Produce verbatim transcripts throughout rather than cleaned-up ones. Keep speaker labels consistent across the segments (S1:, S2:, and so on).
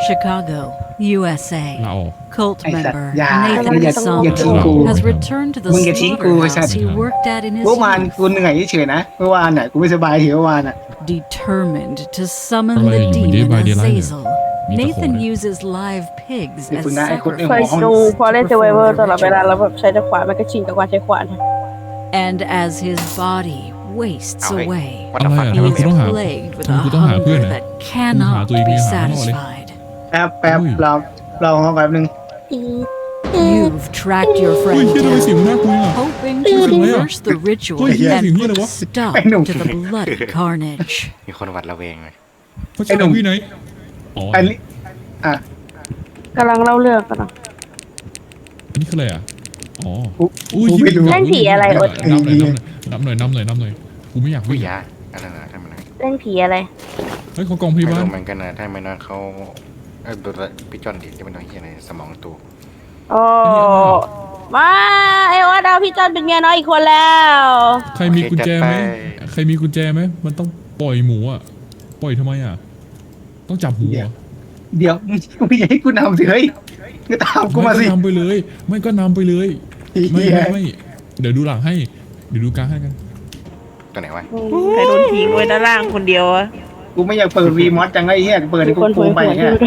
S1: Chicago, U S
S2: ลา
S1: A,
S2: ออก
S1: cult
S3: ไอ้สัตว์
S1: member
S3: อย่า
S1: Nathan
S3: อย่าอย่าทิ้งกู
S1: Somko has returned to the
S3: มึงอย่าทิ้งกูไอ้สัตว์
S1: slaughterhouse he worked at in his
S3: เมื่อวาน
S1: youth,
S3: กูเหนื่อยเฉยๆนะเมื่อวานน่ะกูไม่สบายเหี่ยวเมื่อวานอ่ะ
S1: determined to summon
S2: อะไร
S1: the
S2: อยู่ Day
S1: demon
S2: by Daylight เนี่ย
S1: Azazel.
S2: มีแต่ของ
S1: Nathan
S2: เลย
S1: uses live pigs
S3: เดี๋ยว
S1: as
S3: คุณนะไอ้คนไอ้
S4: เค
S3: หั
S4: ยว
S3: ห้อง
S4: ดูพอเล่นเซ
S1: sacrifices
S4: เวเวอ
S1: before
S4: ร์ตลอดเวลา
S1: ritual.
S4: แล้วแบบใช้แต่ขวานมันก็ชินกับการใช้ขวาน
S1: And as his body wastes
S5: Okay.
S1: away,
S5: วัต
S2: อะไร
S5: ฟัง
S2: อ่ะ
S1: he
S2: ทำไม
S1: is
S2: กูต้องหา
S1: plagued with
S2: ทำไม
S1: a
S2: กูต้องหาเพื่อน
S1: hunger
S2: อ่ะ
S1: that cannot
S2: หาตัวเอง
S1: be
S2: หาพ่อเลย
S1: satisfied.
S3: แป๊บแป๊บ
S2: อุ้ย
S3: เราเราห้องแป๊บนึง
S1: You've tracked your
S2: เฮ้ย
S1: friend
S2: เฮียทำไมเสียง
S1: down,
S2: มันน่ากลัวอ่ะ
S1: hoping to
S2: เสียงอะไรอ่ะ
S1: reverse the ritual
S2: เฮ้ยเหี้ย
S1: and
S2: เสียงเหี้ยอะไร
S1: put
S2: วะ
S1: stop
S3: ไอ้หนุ่ม
S1: to the bloody carnage.
S5: มีคนหวัดระแวงเลย
S2: เขาชื่อพี่ไหนอ๋อ
S3: อันนี้อ่ะ
S4: กำลังเล่าเรื่องกันนะ
S2: อันนี้คืออะไรอ่ะอ๋อ
S3: กู
S2: อุ้ย
S3: กูไม่รู้
S4: เล่นผีอะไรอด
S2: นำหน่อยนำหน่อยนำหน่อยนำหน่อยนำหน่อยกูไม่อยาก
S5: ผู้
S2: วิ่ง
S5: ยาอะไรนะทำไมนะ
S4: เล่นผีอะไร
S2: เฮ้ยเขากองพ
S5: ไม่
S2: ยาบาล
S5: รู้เหมือนกันนะถ้าไม่นอนเขาเออดูพี่จอนดิจะเป็นตัวเฮียในสมองตัว
S4: โอ้มาไอโอ๊ตเอาพี่จอนเป็นเมียน้อยอีกคนแล้ว
S2: ใครมีกุญแจไหมใครมีกุญแจไหมมันต้องปล่อยหมูอ่ะปล่อยทำไมอ่ะต้องจับหมูเหรอ
S3: เดี๋ยวกูไม่อยากให้กูนำสิเฮ้ยก็ตามกูมาสิ
S2: ไก็นำไปเลย ไม่ก็นำไปเลย ไม่
S3: เหี้ย
S2: ไม่ไม่เดี๋ยวดูหลังให้ เดี๋ยวดูกลางให้กัน
S5: ตัวไหนวะ
S6: ใครโดนทิ้งไว้ด้านล่างคนเดียวอะ
S3: กูไม่อยากเปิดวีมอสจังไอ้เหี้ยเปิดให้
S4: มี
S3: กู
S4: คน
S3: โก
S4: คุย
S3: งไป
S4: คุย
S3: แค่
S4: ด้วย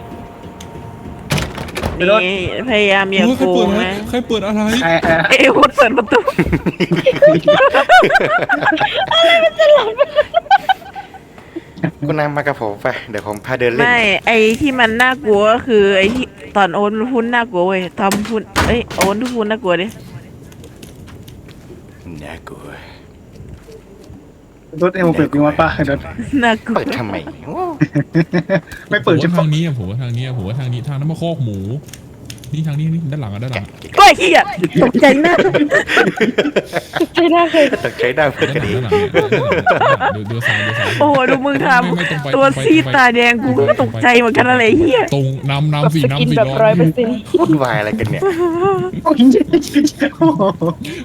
S3: ไปรถ
S6: นี่พยายามอย่า
S2: โอ้ยใคร
S6: โก
S2: เปิด
S6: ง
S2: อะไร
S6: นะ
S2: ใครเปิดอะไร
S3: ไอ้ไอ้
S6: เอ้ยวุฒเปิดประตู
S5: คุณนำมากับผมไปเดี๋ยวผมพาเดินเล่น
S6: ไม่ไอที่มันน่ากลัวก็คือไอที่ตอนโอนพูดน่ากลัวเว้ยทำพูดเอ้ยโอนทุกพูดน่ากลัวดิ
S5: น่ากลัว
S3: รถให้มึงเปิดวีมอสป่ะรถ
S6: น่ากลัว
S5: เปิดทำไมโอ้
S3: ไม่เปิด
S2: ผม
S3: จะ
S2: ว่า
S3: ฟั
S2: ทาง งนี้อะผมว่าทางนี้อะผมว่าทางนี้ทางนั้นมาคอกหมู นี่ทางนี้นี่ด้านหลังอะด้านหลังอะ
S6: ก็เฮียตกใจมาก
S4: ใช่น่าเคย
S5: ตกใจได้เพื่อน
S2: ด้าน
S5: กัน
S2: หลัง
S5: ดี
S2: ด้านหลังเนี่ยเดี๋ยวเดี๋ยวซ้ายเดี๋ยวซ้าย
S6: โอ้โหดูมึงท
S2: ไม่ไม่ตรงไป
S6: ำตัว
S2: ตรงไป
S6: ซีด
S2: ตรงไป
S6: ตาแดงกูก็ตกใจเหมือนกันอะไรเฮีย
S2: ตรงนำ
S4: แบบ
S2: นำสี่
S4: สกิน
S2: นำสี่
S4: แบบ
S2: ร้
S4: ร้
S2: อ
S4: อย ยเปอร์เซ็นต์
S5: วุ่นวายอะไรกันเนี่ย
S3: โอ้ยโอ้โห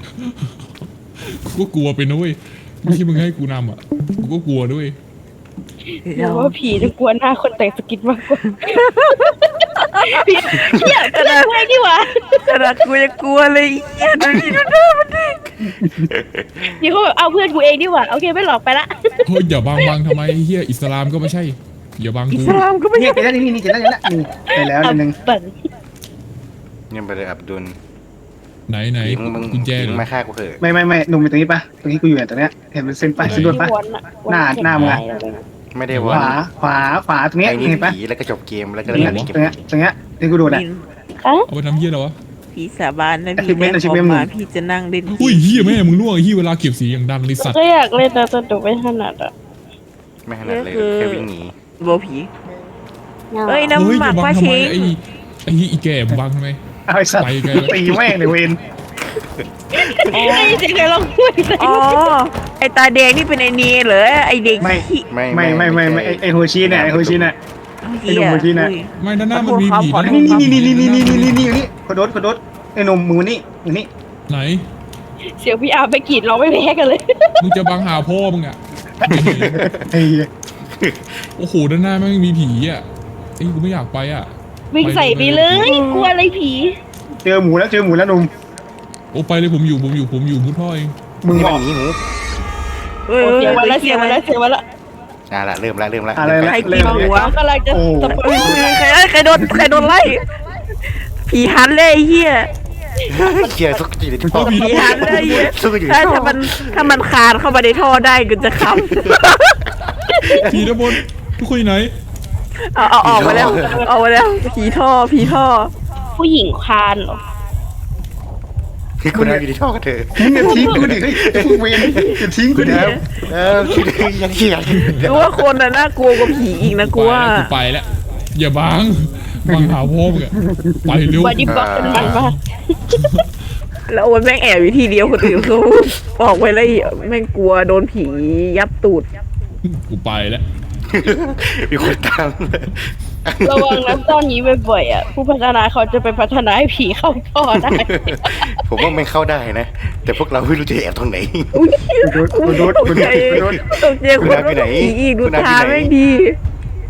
S2: กูก็กลัวเป็นนะเว้ยไม่ใช่มึงให้กูนำอ่ะกูก็กลัวด้วย
S4: หรือว่าผีจะกลัวหน้าคนแต่งสกินมากกว่าผีเหี้ยกระดาษไว้ดีกว่า
S6: ขนาดกูยังกลัวเลยเฮียดูดิดูหน้ามันดิ
S4: นี่เขาแบบเอาเพื่อนกูเองดีกว่าโอเคไม่หลอกไปละ
S2: เฮ้ยอย่าบังบังทำไมเฮียอิสลามก็ไม่ใช่ อย่าบัง
S6: อิ
S2: กู
S6: สลามก็ไม่
S3: เนี่ย
S6: ใช่
S3: เจอแล้วนี่นี่เจอแล้วเจอแล้วนี่ไปแล้วนิดนึง
S4: เปิด
S5: ยังไปเลยอับดุล
S2: ไหนไหน
S5: มึงมึง
S2: กุญแจเหร
S5: มึ
S2: อง
S5: มาฆ่ากูเถอะ
S3: ไม่ไม่ไม่หนุ่มอยู่ตรงนี้ป่ะตรงนี้กูอยู่เนี่ยตรงเนี้ยเห็นเป็นเส้นป่ะเส้นด่วนป่ะ
S4: วนอะ
S3: หน้าหน้ามึงอะ
S5: ไม่ได้
S3: ข
S5: วัน
S3: วาขวาขวาตรงเนี้ย
S5: ไอ้นี่
S3: เห็นป่ะ
S5: ผีแล้วก็จบเกมแล้ว
S3: ต
S5: ก็
S3: รง
S5: เล่
S3: เนี้ย
S5: นเก
S3: ตรงเนี้ย
S5: ม
S3: ตรงเนี้ยที่กูดูน่ะ
S2: เอาไปทำเฮียแล้ววะ
S6: พี่สาบานนะพี่
S3: Achievement
S6: ได้ของ
S3: Achievement
S6: มาพี่จะนั่งเล่น
S2: อุ้ยเฮียแม่มึงล่วงไอ้เฮียเวลาเก็บสีอย่างดังเลยสัตว์
S4: ก็อยากเล่นนะแต่ดูไม่ถนัดอ่ะ
S5: ไม่ขนาดเลยแค่วิ่งหนี
S6: โบผีเอ้ย
S2: เฮ้ย
S6: น้ำห
S2: อ
S6: มั
S2: ย่าก บั
S6: ป้าง
S2: ทำ
S6: เช
S2: ไม
S6: ง
S2: ไอ้ไอ้เฮียอีแก่มึงบังทำไม
S3: เอาไอ้สัตว์
S2: ไปไกลแล้ว
S3: ตีแม่งเลยเวน
S4: ไอ้เจ๊เคยลองพูดเลย
S6: อ๋อไอตาแดงนี่เป็นไอเนียเหรอไอเด็ก
S3: ไม่
S6: ขี้
S5: ไม่
S3: ไม่ไม่ไม่ไม่ไอ้ไอ้โฮชิเนี่ยไอ้โฮชิเนี่ย ไอ้หนุ่มเมื่อกี้น่ะ
S6: อุ้ย
S2: ไม่ด้านหน้ามันมีผี
S6: ขอโทษ
S3: นี่นี่นี่นี่นี่นี่นี่นี่นี่นี่ขอโดดขอโดดไอ้หนุ่มมือนี่มือนี่
S2: ไหน
S4: เสียงพี่อาร์ไปกรีดร้องไม่แพ้กันเลย
S2: มึงจะบังหาพ่อมึงอ่ะ
S3: ไอ้เหี้ย
S2: โอ้โหด้านหน้าแม่งมีผีอ่ะไอ้ยกูไม่อยากไปอ่ะ
S4: วิ่งใส่ไปเลยกลัวอะไรผี
S3: เจอหมูแล้วเจอหมูแล้วหนุ่ม
S2: โอ้ไปเลยผมอยู่ผมอยู่ผมอยู่มุดท่อเอง
S3: มึง
S5: นี่
S3: บ
S5: มั
S3: อน ก
S5: หนีหมู
S6: เอ้ย
S4: เสียงมา
S6: เอ้
S4: แล้ว
S6: ย
S4: เสียงมาแล้วเสียงมาแล้ว
S5: อ่ะละเริ่มละเริ่มละ
S3: อะไร
S5: เริ่ม
S3: นะ
S5: ละ
S6: ใครกินหัว
S4: กำลังจะ
S3: โอ้
S4: ตะโก
S6: เอ้ย
S4: น
S6: ใครเอ้ยใครโดนใครโดนไล่ผีหันเลยไอ้เฮีย
S5: เกียร์ทุกทีเลยที่พ่อ
S6: ผีหันเลยไอ้เฮีย
S5: สู้อยู่
S6: ถ้าถ้ามันถ้ามันคานเข้ามาในท่อได้ก็จะข
S2: ผีด้านบนทุกคนอยู่ไหน
S6: ำเอาเอาออกมาแล้วออกมาแล้วผีท่อผีท่อ
S4: ผู้หญิงคานเหรอ
S5: คือคุณนายอยู่ที่ท่อกันเถอะ
S3: มึงอย่าทิ้งกูดิเฮ้ยไอ้พวกเวรอย่าทิ้งกูดิ
S5: เออคิดยังเกียร์
S6: กูว่าคนน่ะน่ากลัวกว่าผีอีกนะกูว่า
S2: กูไปแล้วอย่าบังบังหาพ่อมึงอะไปเร็ว
S4: บอดี้บล็อกเป็นมันมาก
S6: แล้วโอนแม่งแอบอยู่ที่เดียวคนอื่นเขาออกไปแล้วแม่งกลัวโดนผียับตูด
S2: กูไปแล้ว
S5: มีคนตาม
S4: ระวังนะตอนนี้บ่อยๆอ่ะผู้พัฒนาเขาจะไปพัฒนาให้ผีเข้าท่อได้
S5: ผมว่ามันเข้าได้นะ แต่พวกเราไม่รู้จะแอบตรงไหน
S3: กูโดดกูโดด
S6: ต
S3: กู
S6: ก
S3: โด
S6: ใจ
S3: ดกูโดด
S6: ตกใจคนว่าผีอีกดูตาไม่ดี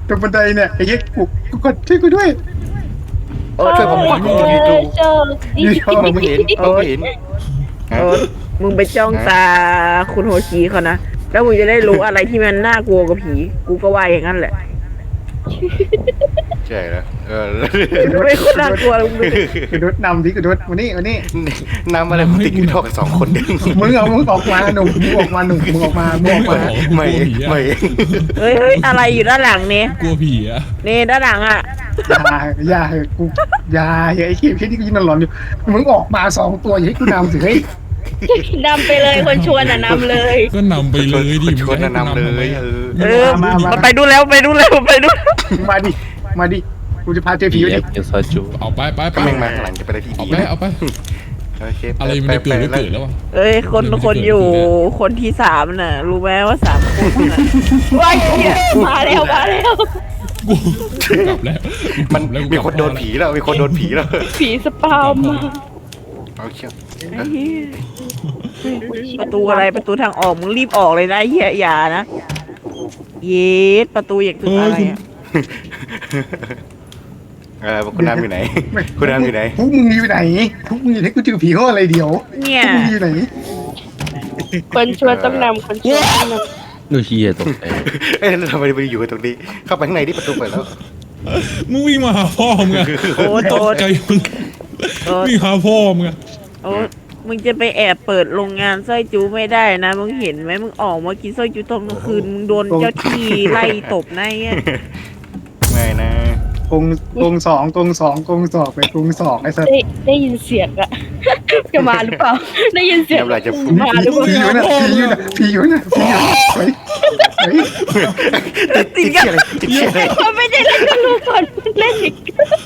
S3: ตรงบันไดเนี่ยไอ้เหี้ยกูกูกดช่วยกูด้วย
S6: โอ้
S5: ช่วยผมหน่อยผมอยู่ในตู้
S4: โชคดี
S5: ผมไม่เห็นผมไม่เห็น
S6: โอ้มึงไปจ้องตาคุณโฮชิเขานะแล้วมึงจะได้รู้อะไรที่มันน่ากลัวกว่าผีกูก็ว่าอย่างนั้นแหละ
S5: ใช่แล้วเออ
S6: ไม่คนน่ากลัวเลยมึง
S3: กูโดดนำดิกูโดดมานี่มานี่
S5: น้ำอะไรมึงติดอยู่ท่อกันสองคนเอง
S3: มึงเอามึงออกมาหนุ่มมึงออกมาหนุ่มมึงออกมามึงออกมา
S5: ไม่ไม่
S6: เฮ้ยเฮ้ยอะไรอยู่ด้านหลังเนี่ย
S2: กลัวผีอะ
S6: นี่ด้านหลังอ่ะ
S3: อย่าอย่ากูอย่าอย่าไอ้เหี้ยพี่นี่กูยินหลอนอยู่มึงออกมาสองตัวอย่าให้กูนำสิเฮ้ย
S4: นำไปเลยคนชวนอ่ะนำเลย
S2: ก็นำไปเลยดิ
S5: ชวนนำเลยเออ
S6: เออมันไปดูแล้วไปดูแล้วไปดู
S3: มาดิมาดิกูจะพาเจอผี
S7: ผี
S3: อยู่
S7: แอ
S3: ดิ
S7: บกินซอยจู
S2: เอาไปไปไป
S5: ก็แม่งมาข้างหลังจะไปได้ที่
S2: เอา
S5: ดี
S2: ไปเอาไป
S5: โอเค
S2: อะไรมันจะเกิดก็เกิดแล้ววะ
S6: เอ้ยคนคนอยู่คนที่สามน่ะ รู้ไหมว่าสามคนน่ะ
S4: ว้ายมาแล้วมาแล้ว
S2: กูกลับแล้ว
S5: มันมีคนโดนผีแล้วมีคนโดนผีแล้ว
S4: ผีสปาวมา
S5: โอเค
S6: ไอ้เหี้ยประตูอะไรประตูทางออกมึงรีบออกเลยนะไอ้เฮียอย่านะเย็ดประตูอย่างคืออะไรอะ
S5: เออคุณน้ำอยู่ไหนคุณน้ำอยู่ไหน
S3: พวกมึงอยู่ไหนพวกมึงอยู่ไหนกูเจอผีเขาอะไรเดียว
S6: เนี่ย
S3: พวกมึงอยู่ไหน
S4: คนชวนต้องนำคนชวนต้องนำ
S7: ดูเฮียตกใจ
S5: เอ๊ะแล้วทำไมไปอยู่กันตรงนี้ เข้าไปข้างในที่ประตูเปิดแล้ว
S2: มึงวิ่งมาหาพ่อมึงอะ
S6: โอ้โห
S2: ตกใจมึงวิ่งหาพ่อมึงอะ
S6: โอ้มึงจะไปแอบเปิดโรงงานสร้อยจูไม่ได้นะมึงเห็นไหมมึงออกมากินสร้อยจูตอนกลางคืนมึงโดนเจ้าที่ไล่ตบในอ่ะ
S5: ไม่นะ
S3: กงกงสองกงสองกงสองไปกงสองไอ้สัส
S4: ได้ได้ยินเสียงอะจะมาหรือเปล่า ได้ยินเสียง
S5: น้ำลายจะฟุ้ง
S4: มาหรือเปล่า
S3: ผีอยู่น่ะผีอยู่น่ะผีอยู่น่ะผีอยู่เฮ้ยเฮ้ย
S6: ติดกัน
S5: ติดเชื้ออะไร
S4: เขาไม่ได้เล่นกันรู้ก่อนเล่นอีก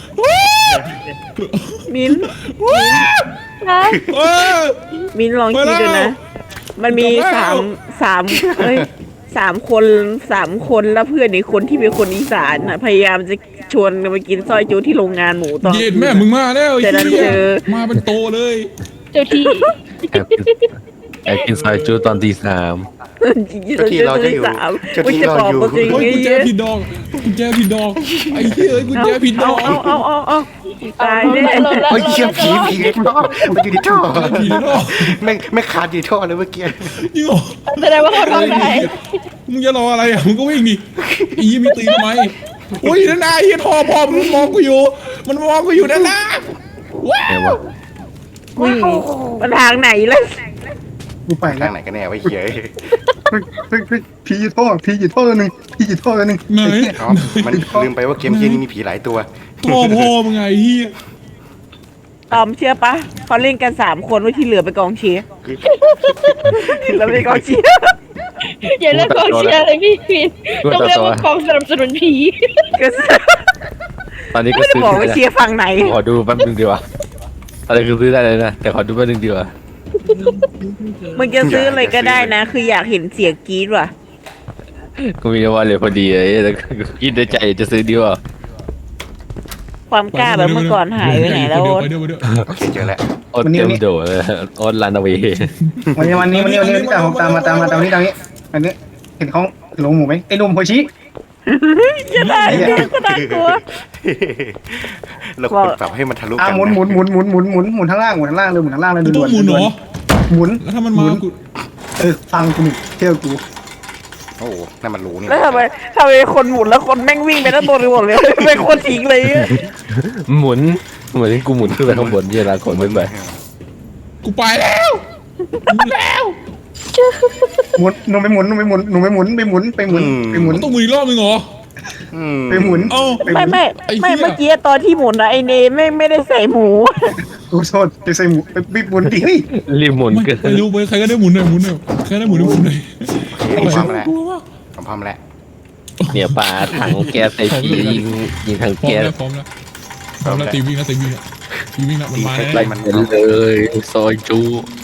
S6: มิ้น
S4: นะ
S2: เออ
S6: มิ้นลองคิดดูนะ มันมี
S2: จบแล้ว
S6: สามสามเอ้ยสามคนสามคนแล้วเพื่อนอีกคนที่เป็นคนอีสานน่ะพยายามจะชวนกันไปกินซอยจูที่โรงงานหมูตอน
S2: เย็นแม่มึงมาแล้วไอ้
S6: แต่นั้น
S2: เหี้ย
S6: เจอ
S2: มาเป็นโตเลย
S4: เจ้าที่
S7: แอบกินแอบกินซอยจูตอนตีสาม
S5: เจ้าที่เราจะอยู่
S6: สาม
S5: เจ้าที่
S6: จะ
S5: เรา
S6: บอก
S5: อยู่
S6: ตัวจริง
S2: โอ้ยกุญแจผิดดอกกุญแจผิดดอกไอ้เหี้ยเอ้ยกุญแจผิดด
S6: เอา
S2: อก
S6: เอาเอาเอาเอาตายแน่
S4: ลงแล้ว
S5: โอ้ยเชี่ยผีผีในท่อมันอยู่ในท่อ
S2: ผีในท่อ
S5: แม่งแม่งขาดอยู่ในท่อเลยเมื่อกี้
S2: จริงเหรอ
S4: แสดงว่าเขาทำได้
S2: มึงจะรออะไรอ่ะมึงก็วิ่งดิไอ้ยี่มีตีทำไมอุ้ยนั่นนายเฮียพ่อพ่อมันมองกูอยู่ มันมองกูอยู่นั่นนะว้า
S7: ไง
S2: ว
S7: วะ
S6: อุ้ยมันทางไหนล่ะ
S3: กูไปแล้
S5: ทาว งไหนกันแน่วะเหี้ย
S3: เฮ้ยเฮ้ยเฮ้ยผีอยู่ท่อผีอยู่ท่อตัวหนึ่งผีอยู่ท่อตัวหนึ่ง
S2: ไหน
S5: อ๋อมันลืมไปว่าเกมเฮียนี้มีผีหลายตัว
S2: พ่อพ่อมึงไงเฮีย
S6: ตอมเชื่อปะเขาเล่นกันสามคนไว้ที่เหลือไปนกองเชียร์ที่เหลือไปนกองเชียร์
S4: อย่าเล่นกองเชียร์เลยพี่พีต้องเรียกว่ากองสนับสนุนผี
S6: ก็
S7: ตอนนี้ก็
S6: ไม่ได้
S7: ซื้อ
S6: บอกว่า
S7: ได้
S6: เชียร์ฝั่งไหน
S7: ขอดูแป๊บนึงดีกว่าตอนนี้คือซื้อได้เลยนะแต่ขอดูแป๊บนึงดีกว่า
S6: มึงจะซื้ออะไรก็ได้นะ คืออยากเห็นเสียงกรี๊ดว่ะ
S7: กูมีวันเลยพอดีเลยแต่กูคิดในใจจะซื้อดีกว่า
S6: ความกล้าแบบเมื่อก่อนหายไปไหนแล้ว
S2: ไปเดี๋ยวไปเดี๋ยว
S5: โอเคเจอแล้ว
S7: โอดเต็มโดดเลยโอดลันเอาไว้
S3: วันนี้วันนี้วันนี้วันนี้ตามตามมาตามมาตามนี้ตามนี้อันนี้เห็นเขาหลงหมูไหมไอ้หนุ่มโฮชิ
S6: จะได้ก็น่ากลัว
S5: เราควรปรับให้มันทะลุ
S3: อ่ะ
S5: กัน
S3: หมุนหมุนหมุนหมุนหมุนหมุนหมุนทั้งล่างหมุนทั้งล่างเลยหมุนทั้งล่างเลย
S2: กูต้องหมุนเหรอ
S3: หมุน
S2: แล้วถ้ามันมากู
S3: เออฟังกูหนึ่งเที่ยวกู
S5: โอ้โหนั่นมันรู้นี่
S6: แล้วทำไมทำไมคนหมุนแล้วคนแม่งวิ่งไปด้านบนไปหมดเลยเป็นคนทิ้งเลยอะ
S7: หมุนเหมือนที่กูหมุนขึ้นไปข้างบนเวลาขนขึ้นไป
S2: กูไปแล้วหมุนแล้ว
S3: หมุนหนูไปหมุนหนูไปหมุนหนูไปหมุนไปหมุนไปหมุนไปหมุน
S2: มันต้องหมุนอีกรอบนึงเหรอ
S5: อืม
S3: ไปหมุน
S2: เอ้า
S6: ไม่ไม่
S2: ไอ้เหี้ย
S6: ไม่เมื่อกี้ตอนที่หมุนนะไอเนไม่ไม่ได้ใส่หมู
S3: กูโทษไปใส่หมูไปไปหมุนดิเฮ้ย
S7: รีบหมุน
S2: ไม่
S7: เกิน
S2: ไม่รู้ไปใครก็ได้หมุนหน่อยหมุนหน่อยใครได้หมุนหน่อยหมุนหน่อย
S5: ผมพร้อมแล้ว
S2: กลัวว่ะ
S5: ผมพร้อมแล้ว
S7: เนี่ยปลาถังแก๊สใส่ผียิงยิงถัง
S2: พร้อม
S7: แก๊ส
S2: แล้วพร้อมแล้วพร้อมแล้วตีวิ่งแล้วตีวิ่งแล้วตีวิ่งแล้วมันมา
S7: ไล่
S2: แล้ว
S7: มันเลยซอยจู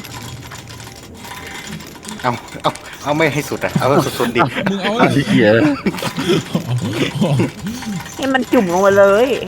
S5: เอาเอาเอาไม่ให้สุดอ่ะเอาสุดๆดิ
S2: มึงเอา
S7: ไอ้เหี้ย
S6: ให้มันจุ่มลงไปเลย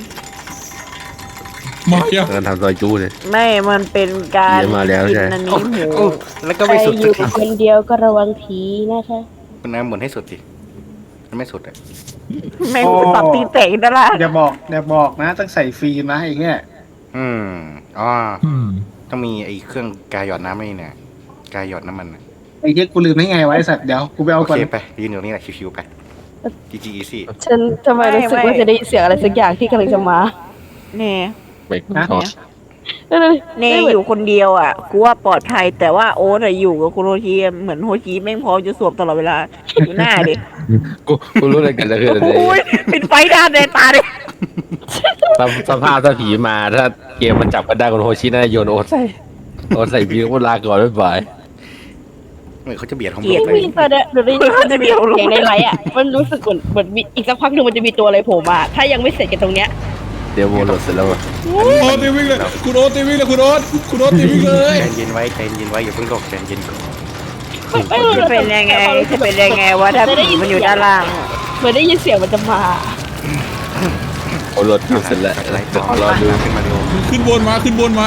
S2: มาอ่ะ
S7: การทำซอยจูเลย
S6: ไม่มันเป็นการ
S7: เดี๋ยวมาแล้ว
S6: กิ
S7: ใช่
S6: นอันนี้หมู
S5: โอ้แล้วก็
S4: ใคร
S5: ไม่สุด
S4: อยู่คนเดียวก็ระวังผีนะคะ
S5: คุณน้ำหมุนให้สุดดิมันไม่สุดอ่ะ
S6: แม่งตัดตีแตกด้านล่าง
S3: อย่าบอกอย่าบอกนะต้องใส่ฟิล์มนะไอ้เงี้ย
S5: อืมอ๋อ
S2: อืม
S5: ต้องมีไอ้เครื่องกายหยอดน้ำไอ้นี่เนี่ยกายหยอดน้ำมันน่ะ
S3: ไอ้เหี้ยกูลืมได้ไงวะไอ้สัตว์เดี๋ยวกูไปเอา
S5: โอ
S3: ก่อน
S5: เคไปยืนอยู่ตรงนี้แหละชิวๆไปจีจีอีซี่
S4: ฉันทำไมรู้สึกว่าจะได้ยินเสียงอะไรสักอย่างที่กำลังจะมา
S6: เน่
S7: ไปทอด
S6: เน่อยู่คนเดียวอ่ะกูว่าปลอดภัยแต่ว่าโอ๊ตอะอยู่กับคุณโฮชิเหมือนโฮชิแม่งพร้อมจะสวมตลอดเวลาอยู่หน้าดิ
S7: กูกูรู้อะไรกันจะคืออะไร
S6: โอ้ยเป็นไฟด้านในตาเลย
S7: สภสภาพถ้าผีมาถ้าเกมมันจับกันได้คนโฮชิน่าจะโยนโอ๊ตใส่โอ๊ตใส่พีก็ลาก่อนบ๊ายบาย
S5: เหมือนเขาจะเบียดของ
S6: เกลียด
S5: เล
S4: ไม่
S5: ย
S4: มีตอนเนี้ยเดี๋ยวได้ยินมันจะมีเสียงในไลฟ์อ่ะมันรู้สึกเหมือนเหมือนมีอีกสักพักหนึ่งมันจะมีตัวอะไรโผล่มา ถ้ายังไม่เสร็จกันตรงเนี้ย
S7: เดี๋ยวโมโหลดเสร็จแล้วอะ
S2: โอ๊ตตีวิ่งเลยคุณโอ๊ตตีวิ่งเลยคุณโอ๊ตคุณโอ๊ตตีวิ่งเลย
S5: ใจเย็นไว้ใจเย็นไว้อย่าเพิ่งโลกใจเย็นก่อน
S4: ไม่รู้
S6: จะเป็นยังไงจะเป็นยังไงวะถ้าผีมันอยู่ด้านล่าง
S4: เหมือนได้ยินเสียงมันจะมา
S7: โมโหลดเสร็จแล้ว
S5: อะไรต่อ
S7: รอดู
S5: ขึ้นมาเร็ว
S2: ขึ้นบนมาขึ้นบนมา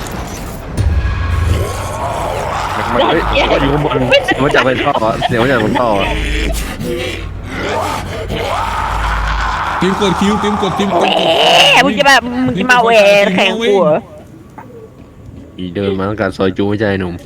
S7: เฮ้ยอยู่ข้างบนเสียงมาจากบนท่อเสียงมาจากบนท่อ
S2: ทีมกดคิวทีมกดทีมกด
S6: แหมมึงจะแบบมึงจะมาแหวนแข่งกูเหรอ
S7: ผีเดินมาต้องการซอยจูไม่ใช่หนุ่ม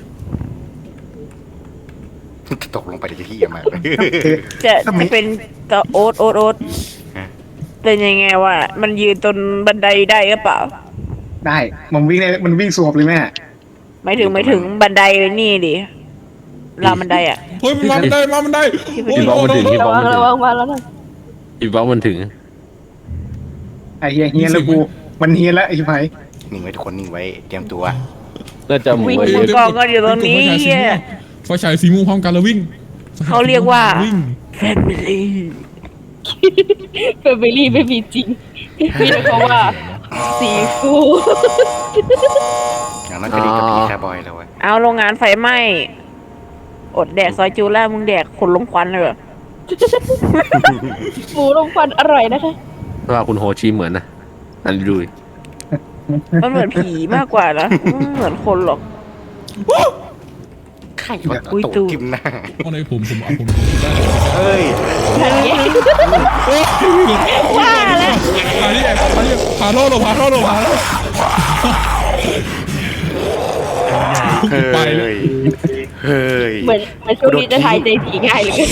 S5: ตกลงไปเดี๋ยวจะเหี้ยมาก
S6: จะจะเป็นตัวโอ๊ตโอ๊ตโอ๊ตเป็นยังไงวะมันยืนตนบันไดได้หรือเปล่า
S3: ได้มันวิ่งได้มันวิ่งสวบเลยแม่
S6: ไม่ถึงไม่ถึงบันไดนี่ดิราวบันไดอ่ะ
S2: เฮ้ยมันมาบันไดมาบันไดโอ้ย
S7: พี่บอกมันถึงพี่
S4: ระ
S7: บอก
S4: วัง
S7: มันถึ
S4: ระ
S7: ง
S4: วังมาแล้วนะ
S7: พี่บอกมันถึง
S3: ไอ้เฮียเฮียแล้วกูมันเฮียแล้วไอ้ชิบหาย
S5: นิ่งไว้ทุกคนนิ่งไว้เตรียมตัว
S7: น่าจะหมู
S6: วิ่ง
S7: ไว้
S6: มือกองก็อยู่ตรงนี้เฮีย
S2: ไฟฉายสีม่วงพร้อมกันแล้ววิ่ง
S6: เขาเรียกว่า
S2: วิ่ง
S6: แฟมิลี่
S4: เฟอร์เบอรี่ไม่มีจริงมีแต่คำว่าสีฟู
S5: อย่างนั้นก็ดีกับพี่แคร์บอยแล้วเว้ย
S6: เอาโรงงานไฟไหม้อดแดกซอยจูแล้วมึงแดกขนลงควันเลยเหรอ
S4: หมูลมควันอร่อยนะคะ
S7: ว่าคุณโฮชิเหมือนนะอันดูดิ
S6: มันเหมือนผีมากกว่านะไม่เหมือนคนหรอก
S5: ไข่หยอด
S6: อุ้ย
S5: ตูด
S6: ตูด
S5: ทิ่มหน้า
S2: เอาในผมผมเอาผมได้
S5: เฮ้ย
S4: ว่าแล้ว
S2: อันนี้อันนี้ผ่าท่อหรอผ่าท่อหรอผ่าท่อ
S5: เฮ้
S2: ไปเลย
S5: ยเฮ้ย
S4: เหมือนเหมือนช่วงนี้จะทายใจผีง่ายเหลย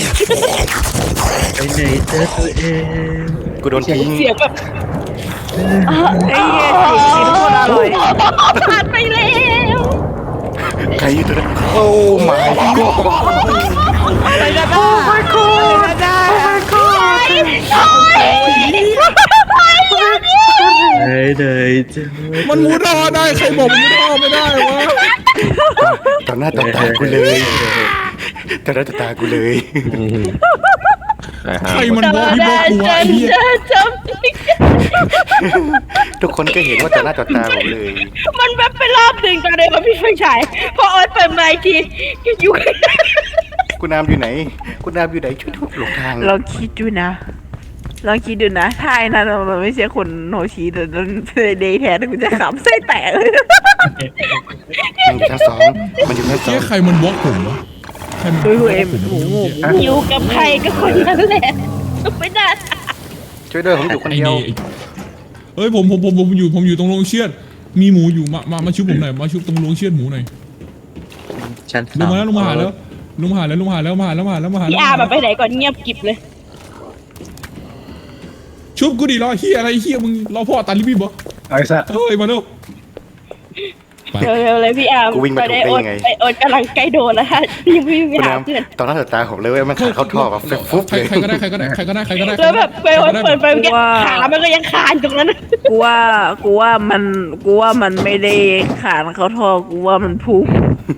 S5: กูโดนทิ้ง
S4: เสียงแบบ
S6: ไอ้เหี้ยสีทุกคนอร่อย
S4: ผ่านไปแล้ว
S5: ใครอยู่ตัวนั้นโอ้ my god
S6: ไปกันได้ไปกันได้
S2: มันมุดท่อได้ใครบอกมันมุดท่อไม่ได้วะ
S5: ต่อหน้าต่อตากูเลยต่อหน้าต่อตากูเลย
S2: ใครมันบอกพี่บอกกูวะไอ้เหี้ย
S4: จำ
S5: ทุกคนก็เห็นว่าต่อหน้าต่อตาผมเลย
S4: มันแบบไปรอบหนึ่งตอนเดินมาพี่ไฟฉายพอออนเปิดไมค์ทีอยู่
S5: คุณน้ำอยู่ไหนคุณน้ำอยู่ไหนช่วยทุบหลงทาง
S6: ลองคิดดูนะลองคิดดูนะถ้าไอ้นั่นมันไม่ใช่คนโนชีแต่มันเป็นเดย์แทนกูจะขำไส้แตกเลย
S5: มันอยู่ชั้นสองมันอยู่ชั้นสอ
S2: เจ๊
S5: ง
S2: ใครมันบล็อกผมวะใครมันบล็อกผมหมูหมู
S4: อยู่กับใครก็คนนั้นแหละไม่ได้
S5: ช่วยด้วยผมอยู่คนเดียว
S2: เฮ้ยผมผมผมผมอยู่ผมอยู่ตรงโรงเชือดมีหมูอยู่มามามาชุบผมหน่อยมาชุบตรงโรงเชือดหมูหน่อย
S7: ชั้น
S2: ลงมาแล้วลงมาหาแล้วลงมาหาแล้วลงมาหาแล้วมาหาแล้วมาหาแล้วมาหา
S4: พี่
S2: แล้ว
S4: อาแบบไปไหนก่อนเงียบกิบเลย
S2: ชุบกูดิรอเฮียอะไรเฮียมึงรอพ่อตาลิบิบบ่
S3: ไอ้สัตว์
S2: เฮ้ยมาเร็วไป
S4: เร็วๆเลยพี่อาไปได้โอนไปโอนกำลังใกล้โดนแล้วฮะยังไม่มี
S5: คุณ
S4: หา
S5: น้
S4: เพื่อน
S5: ำต่อหน้าต่อตาผมเลยเว้ยมันขาเข้าท่อแบบฟุ๊บ
S2: ใคร
S5: เลย
S2: ใครก็ได้ใครก็ได้ใครก็ได้ใครก็ได้
S4: แล้วแบบไปโอนเปิดไปแกขามันก็ยังคานตรงนั้น
S6: กูว่ากูว่ามันกูว่ามันไม่ได้ขานเขาทอกูว่ามันพุ่ง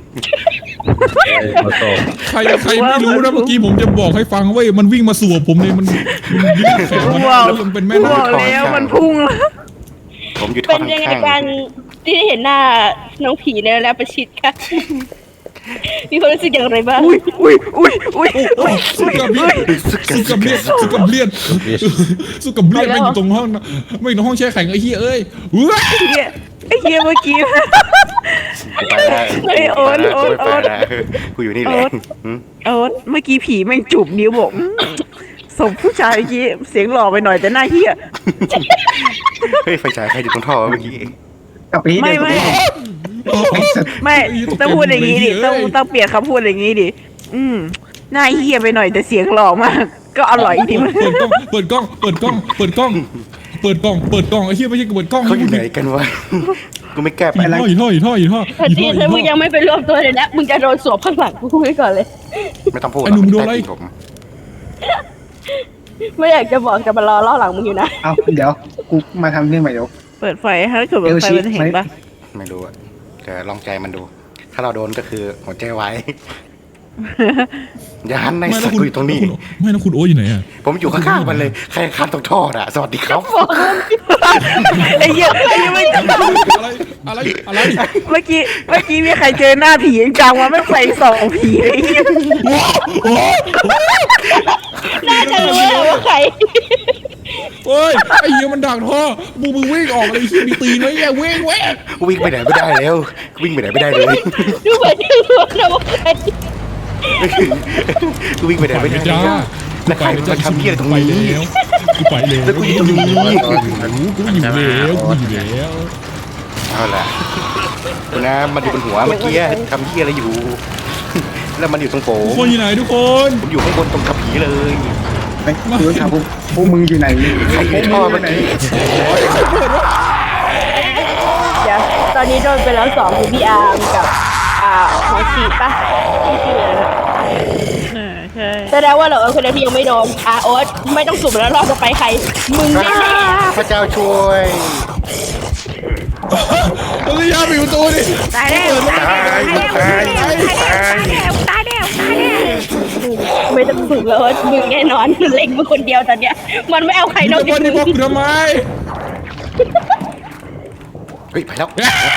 S7: มาต่อ
S2: ใครใครไม่รู้นะเมื่อกี้ผมจะบอกให้ฟังเว้ยมันวิ่งมาสวบผมเลยมันมันยืดแขนมันแล้วมันเป็นแม่
S6: บ
S2: น้
S6: อกแล้วมันพุ่งแล้ว
S5: ผมอยู่ท่
S4: เป็
S5: อน
S4: ยังไง
S5: ข้าง
S4: การที่ได้เห็นหน้าน้องผีในแล้วประชิดค่ะมีความรู้สึกอย่างไรบ้าง
S6: อุ้ยอุ้ยอุ้ยอุ้ย
S2: โอ้สุกับเลียนสุกับเลียนสุกับเลียนสุกับเลียนไม่อยู่ตรงห้องนะไม่อยู่ตรงห้องแช่แข็งไอ้เหี้ยเอ้ยเฮ้ย
S6: เฮียไอ้เฮียเมื่อกี้
S5: ไปได้
S6: เฮ้ยโอ๊ตโอ๊ตโอ๊ต
S5: กูอยู่นี่แหละ
S6: โอ๊ต เออเมื่อกี้ผีแม่งจูบนิ้วบอกอืมศพผู้ชายเมื่อกี้เสียงหล่อไปหน่อยแต่หน้าเหี้ย
S5: เฮ้ยไฟฉายใครอยู่ตรงท่อเมื่อกี้
S3: กลับไปที่
S6: ไม่
S3: เดิม
S6: ไม่
S2: โอ้โห
S6: ไม่ต้องพูดอย่างนี้ดิต้องต้องเปลี่ยนคำพูดอย่างนี้ดิอืมหน้าเหี้ยไปหน่อยแต่เสียงหล่อมาก ก็อร่อยดีมัน
S2: เปิดกล้องเปิดกล้องเปิดกล้องเปิดกล้องเปิดกล้องเปิดกล้องไอ้เหี้ยไม่ใช่เปิดกล้อง
S5: เขาอยู่ไหนกันวะกูไม่แก้ไป
S2: อีท่ออีท่ออีท่ออีท่อ
S4: แต่
S2: อี
S4: ที
S2: ท่ออี
S4: ถ้ามึง
S2: ท่
S4: ยั
S2: อง
S4: ไม่ไปรวมตัวเลยนะมึงจะโดนสวมข้างหลังกูไว้ก่อนเลย
S5: ไม่ต้องพูด
S2: ไอ้หนุ่มโดนอะไร
S5: ใต้ตีผม
S4: ไม่อยากจะบอกจะมารอล่อหลังมึงอยู่นะ
S3: เอาเดี๋ยวกูมาทำเรื่องใหม่เดี๋ยว
S6: เปิดไฟให้เกิดแบบไฟมันเห็นปะ
S5: ไม่รู้อะแต่ลองใจมันดู ถ้าเราโดนก็คือหัวใจไว้ อย่าหันใน
S2: ไม่
S5: สั
S2: แล้ว
S5: ตว์
S2: คุณ
S5: กูอยู่ตรงนี้
S2: ไม่แล้วคุณโอ้อยู่ไหนอ่ะ
S5: ผมอยู่ข้างๆมันเลย ใครข้ามตรงท่ออะสวัสดีครับ
S6: ไอ้เหี้ยไอ้เหี้ยไม่
S2: อะไรอะไรอะไร
S6: เมื่อกี้เมื่อกี้มีใครเจอหน้าผีจังวะไม่ใส่สองผีไอ้เหี้ย
S4: น่าจะรู้แล้วว่าใคร
S2: เฮ้ยไอ้เหี้ยมันดักท่อมึงมึงวิ่งออกเลยไอ้เหี้ยมีตีนไหมแย่เว้งเว้ง
S5: วิ่งไปไหนไม่ได้แล้ว วิ่งไปไหนไม่ได้เลย
S4: ดูเหมือนจะรู้นะว่าใคร
S5: กูวิ่งไปไหนไม่ได้
S2: จ้า
S5: แล้วใครมันทำเหี้ยอะไรตรง
S2: ไป
S5: นี้
S2: แล้วกูไปแล้ว
S5: แล้วกูอยู่ตรงนี้
S2: กูอยู่แล้วกูอยู่แล้ว
S5: เอาล่ะคุณนะมันอยู่บนหัวเมื่อกี้ทำเหี้ยอะไรอยู่ แล้วมันอยู่ตรงโผ
S2: ทุกคนอยู่ไหนทุกคน
S5: ผมอยู่ข้างบนตรงกับผีเลย
S3: ไปดูถามพวกพวกมึงอยู่ไหน
S5: ใครอยู่ในท่อเมื่อกี้
S4: เดี๋ยวตอนนี้โดนไปแล้วสองคือพี่อาร์มกับอ่าหมอชีปะที่ชื่ออะไรนะ
S6: เออใช่
S4: แสดงว่าเราเออคนเดียวที่ยังไม่โดนอาโอ๊ตไม่ต้องสุ่มแล้วรอบจะไปใคร มึงแน่
S5: พระเจ้าช่วย
S2: ตัวยาปิดประตูดิ
S6: ตายแล้ว
S5: ตายตายตายตาย
S6: ตายแล้วตายแล้ว
S4: ๆไม่ต้องสุ่มแล้วโอ๊ตมึงแน่นอนเล็งมึงคนเดียวตอนเนี้ยมันไม่เอาใครน
S2: มึ
S4: อง ก
S2: จะ
S4: จาก
S2: บอ
S4: มึ
S2: ก
S4: ง
S2: นี่บอกกูทำไม
S5: เฮ้ยไปแล้ว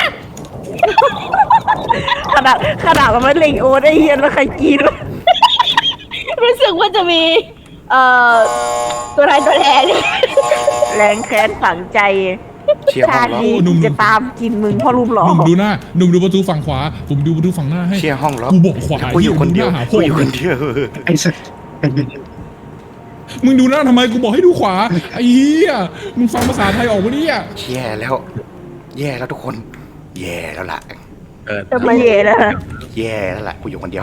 S6: ขนาดขนาดมันไม่เล็งโอ้ได้เฮียนแล้วใครกินวะ
S4: รู้สึกว่าจะมีเอ่อตัวร้ายตัวแรงเนี่ย
S6: แรงแค้นฝังใจ
S5: เชียร์ห้อ
S6: ชาง ติ
S5: ล็อก
S6: นี้จะตามกินมึงเพราะรูปหล่อ
S2: หนุ่มดูหน้าหนุ่มดูประตูฝั่งขวา ผมดูประตูฝั่งหน้าให้
S5: เชียร์ห้องล็อก
S2: กูบอกขวา
S5: กูอยู่คนเดียว
S2: หาพ
S5: กู
S2: วก
S5: อยู่คนเดียว
S3: ไอ้สัสไอ้เหี้ย
S2: มึงดูหน้าทำไมกูบอกให้ดูขวาไอ้เหี้ยมึงฟังภาษาไทยออกปะเนี่ย
S5: แย่แล้ว แย่แล้วทุกคน แย่แล้วล่ะ
S6: จะมาเย่แล้ว
S5: แย่แล้วล่ะกูอยู่คนเดียว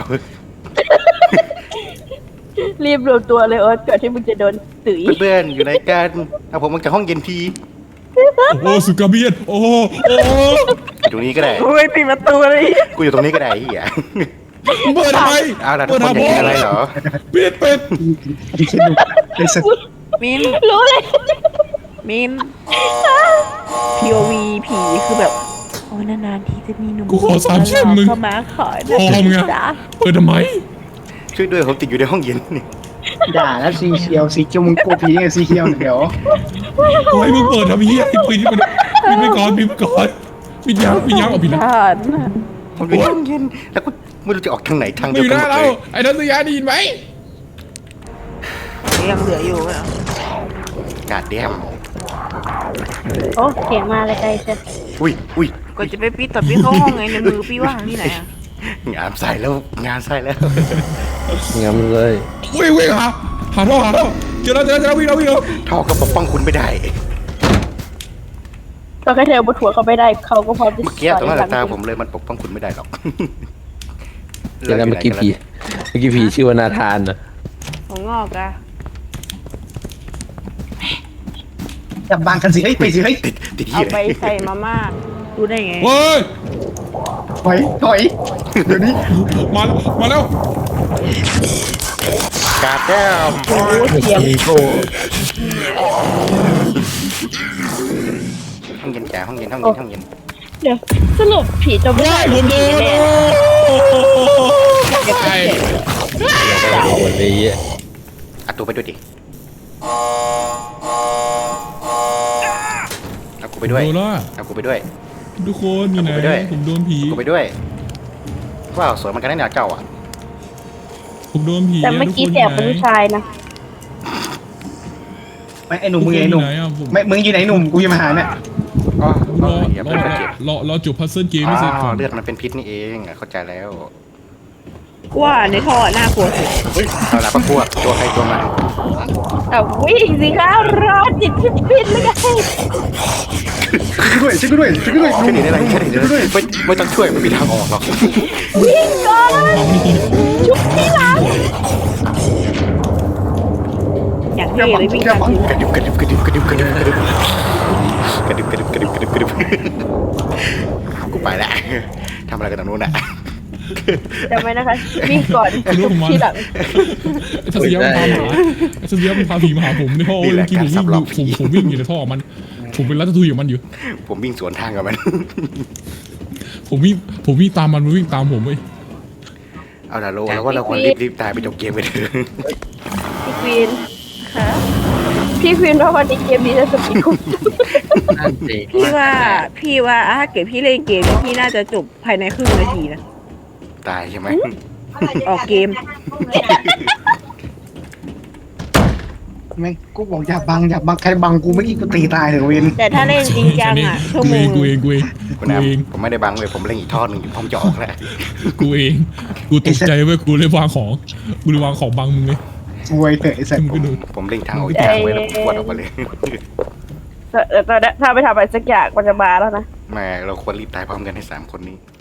S4: รีบรวมตัวเลยโอ๊ตก่อนที่มึงจะโดนตุ๋ย
S5: เพื่อนๆอยู่ไหนกันเอาผมมาจากห้องเย็นที
S2: โอ้โหสุกาเบียนโอ้โหโอ้โห
S5: อยู่ตรงนี้ก็ได้
S6: โอ้ยปิดประตูเลย
S5: กูอยู่ตรงนี้ก็ได้ไอ้เหี้ย
S2: มึงเปิดทำไม
S5: เอาล่ะทุกคนอยากกินอะไรเหรอ
S2: ปิดปิด
S3: ไอ้เหี้ยดูไอ้สัส
S6: มิน
S4: รู้เลย
S6: มิน พี โอ วี ผีคือแบบโอ้นานๆทีจะมีหนุ่ม
S2: กูขอสามชื่อมึง
S6: เข้ามาขอ
S2: พอมึง
S6: นะ
S2: อะ
S6: จ๊ะ
S2: เปิดทำไม
S5: ช่วยด้วยผมติดอยู่ในห้องเย็นนี่
S3: ด่าแล้วสีเขียวสีเขียวมึงโกผีไงสีเขียวเดี๋ยว
S2: โอ้ยมึงเปิดทำไมเหี้ยปิดปิดปิดไปก่อนปิดไปก่อนปิดยังปิดยังเอาปิดแล้ว
S6: ท่าน
S5: ผมอยู่ในห้องเย็นแล้วก็ไม่รู้จะออกทางไหนทาง
S2: มึ
S5: เดี
S2: ง
S5: ย
S2: อ
S5: ว
S2: ยู่ห
S5: กัน
S2: น้า
S5: หมด
S2: เรา
S5: เลย
S2: ไอ้นัทยาได้ยินไหม
S6: ยังเหลืออยู่ไหม
S5: กาดแดม
S4: โอ้เสียงมาเลยใจเชียว
S5: อุ้ยอุ้ย
S6: ก็จะไปปิดต่อพี่เข้าห้องไงในมือพี่ว่างที่ไหนอะ
S5: งานใส่แล้วงานใส่แล้ว
S7: งั้นเลย
S2: วิ่งวิ่งหาหาท่อหาท่อเจอแล้วเจอแล้วเจอแล้ววิ่งแล้ววิ่งแล้ว
S5: ท่อก็ปกป้องคุณไม่ได้
S4: ตอนแค่เธอบนหัวเขาไม่ได้เขาก็พร้อมจะ
S5: เมื่อกี้ตรงหน้าตาผมเลยมันปกป้องคุณไม่ได้หรอก
S7: เดี๋ยวนะเมื่อกี้ผีเมื่อกี้ผีชื่อว่านาธานนะ
S6: ของงอกอะ
S3: อย่าบังกันสิเฮ้ยไปสิเฮ้ย
S5: ติดติด
S6: เอา
S5: เหี้ย
S6: ไปใส่มาม่าดูได้ไง
S2: เฮ้ย
S3: ถอยถอยเดี๋ยวนี้
S2: มาแล้วมาแล้ว
S5: กาดแดม
S4: โอ้เสียง
S5: ห้องเย็นจ๋าห้องเย็นห้องเย็นห้องเย็น
S4: เดี๋ยวสรุปผีจะไม่
S2: ว้า
S4: ได้
S2: ยผมโด
S4: ผี
S2: น
S4: แน่
S2: ไอ้
S7: วันนี้
S5: เอาตัวไปด้วยดิเอากูไปด้วย
S2: โดนแล้ว
S5: เอากูไปด้วย
S2: ทุกคนอยู่ไหน
S5: เอาไปด้วย
S2: ผมโดนผี
S5: กูไปด้วยว้าวสวยเหมันกันนะเนี่ยเจ้าอ่ะ
S2: ผมโดนผี
S4: แต่เมื่อกี้
S2: ทุ
S4: แส
S2: ค
S4: บเป็นผู้ชายนะ
S3: ไม่ไอ้หนุ่ม
S2: ทุก
S3: มึง
S2: คน
S3: ไง
S2: อ
S3: หนุ่
S2: ยู่
S3: ม
S2: ไหนอ่ะผม
S3: ไม่มึงอยู่ไหนหนุ่มกูจะมาหาเนี่ย
S5: อ๋อ
S2: รอ
S5: อย่าร
S2: อ
S5: เพิ่งเก็บ
S2: รอรอจบพัซเซิลเกม
S5: อ๋
S2: ไม่เสร็จก่
S5: อ
S2: อน
S5: เลือดมันเป็นพิษนี่เองอ่ะเข้าใจแล้ว
S6: กูว่าในท่อน่ากลัวสุด
S5: เอาละประพวกตัวใครตัวมัน
S4: แต่วิ่งสิคะรอจิตพิพิธเลยไง
S3: ช่วยกูด้วยช่วยกูด้วยช่วยกูด้วย
S5: ช่วยหนีได้ไรช่วยหนีได้ไรไม่ไม่ต้องช่วยไม่มีทางออกหรอก
S4: วิ่งก่อนชุบที่หลัง
S6: อย่างเท่เลยวิ่งตามกู
S5: กระดิบกระดิบกระดิบกระดิบกระดิบกระดิบกระดิบกระดิบกระดิบกระดิบกระดิบกูไปแล้วทำอะไรกันตรงนู้นน่ะ
S4: จำไว้นะคะวิ่งก่อนชุบที่หลัง
S2: ไอ้ทัศยะมันพาหมาไอ้ทัศยะมันพาผีมาหาผมในท่อเมื่อกี้ผมวิ่งผมผมวิ่งอยู่ในท่อมันผมเป็นรัตทุยของมันอยู่
S5: ผมวิ่งสวนทางกับมัน
S2: ผมวิ่งผมวิ่งตามมันมันวิ่งตามผมเว้ย
S5: เอาละโลแล้วว่าเราควรรีบรีบตายไปจบเกมไปเถอะ
S4: พี่ควีนค่ะพี่ควีนว่าวันนี้เกมนี้จะสปีดคุ้ม
S7: นั่นสิ
S6: พี่ว่าพี่ว่าถ้าเกิดพี่เล่นเกมนี้พี่น่าจะจบภายในครึ่งนาทีนะ
S5: ตายใช่ไหม
S6: ออกเกม
S3: แม่งกูบอกอย่าบังอย่าบังใครบังกูไม่กี่กูตีตายเถอะเวน
S6: แต่ถ้าเล่นจริงจังอ่ะชั่ว
S2: กู
S6: โม
S2: เอง งกูเองกูเอง
S5: คุ
S2: กู
S5: ณน้
S2: เอง
S5: ำผมไม่ได้บังเลยผมเล่นอีกทอดหนึ่งอยู่พร้อมจะออกแล้ว
S2: กูเองกูตกใจเว้ยกูเลยวางของกูเลยวางของบังมึงเลย
S3: ซวยเถอะไอ้สัตว์
S2: มึงก็ดู
S5: ผมเล่นทางออกอีกทางไว้แล้วผมปวดออกมาเลย
S4: เออตอนนี้ถ้าไปทำอะไรสักอย่างมันจะมาแล้วนะ
S5: แม่เราควรรีบตายพร้อมกันให้สามคนนี้